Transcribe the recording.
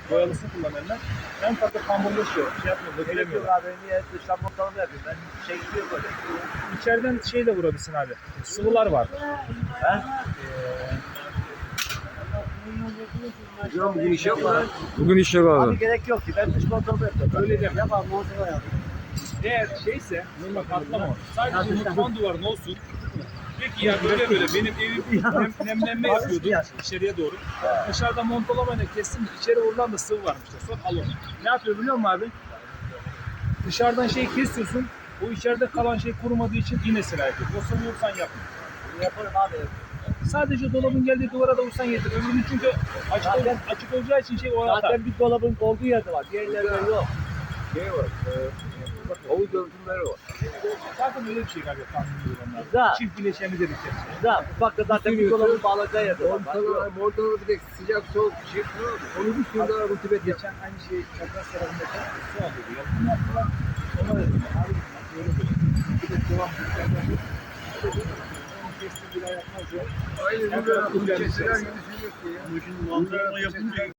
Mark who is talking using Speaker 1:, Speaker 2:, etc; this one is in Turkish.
Speaker 1: boyalısını kullananlar en fazla kamburlaşıyor. Şey yapmıyor,
Speaker 2: Gerek yok
Speaker 1: dökülemiyor.
Speaker 2: abi. Niye dıştan montalama yapayım ben? Şey gidiyor böyle.
Speaker 1: İçeriden şey de vurabilirsin abi. Sıvılar var.
Speaker 3: Hocam bugün iş yok mu lan?
Speaker 4: Bugün iş yok
Speaker 2: Abi
Speaker 4: abi.
Speaker 2: gerek yok ki. Ben dış montalama yapıyorum.
Speaker 1: Öyle deme.
Speaker 2: Yap abi montalama yap.
Speaker 1: Eğer şeyse normal katlama o. Sadece mutfağın duvarın olsun. Peki ya böyle benim evim nemlenme yapıyordu içeriye doğru. Dışarıda montolamayla kestim. İçeri vurulan da sıvı varmış. Sonra al onu. Ne yapıyor biliyor musun abi? Dışarıdan şey kesiyorsun. O içeride kalan şey kurumadığı için yine sirayet ediyor. Yoksa vursan yapma.
Speaker 2: Yaparım abi.
Speaker 1: Sadece dolabın geldiği duvara da vursan yeter. Öbürünün çünkü açık olacağı için şey o atar.
Speaker 2: Zaten bir dolabın olduğu yerde var. Diğerlerinde yok.
Speaker 3: Şey var. Havuz örtümleri var.
Speaker 1: Zaten öyle bir şey galiba tahmin ediyorum onlar.
Speaker 2: Güzel.
Speaker 1: Çift bileşeni dedikleri şey.
Speaker 2: Güzel. Mutfakta zaten bir dolabın bağlayacağı yerde var.
Speaker 3: Montalama bir de sıcak soğuk bir şey var. Onu bir sürü daha rutubet yap.
Speaker 1: Geçen aynı şey çapraz tarafındaki su alıyordu. Yapım yaptılar. Ona dedim. Abi böyle böyle. Bir de devam ettiler. Onu kestim bir daha yapmaz ya.
Speaker 3: Aynen
Speaker 1: Her
Speaker 3: öyle.
Speaker 1: tarafı
Speaker 3: Keseler
Speaker 1: geldi.
Speaker 3: gibi sürüyor ki ya.
Speaker 5: Şimdi mantarlama yapınca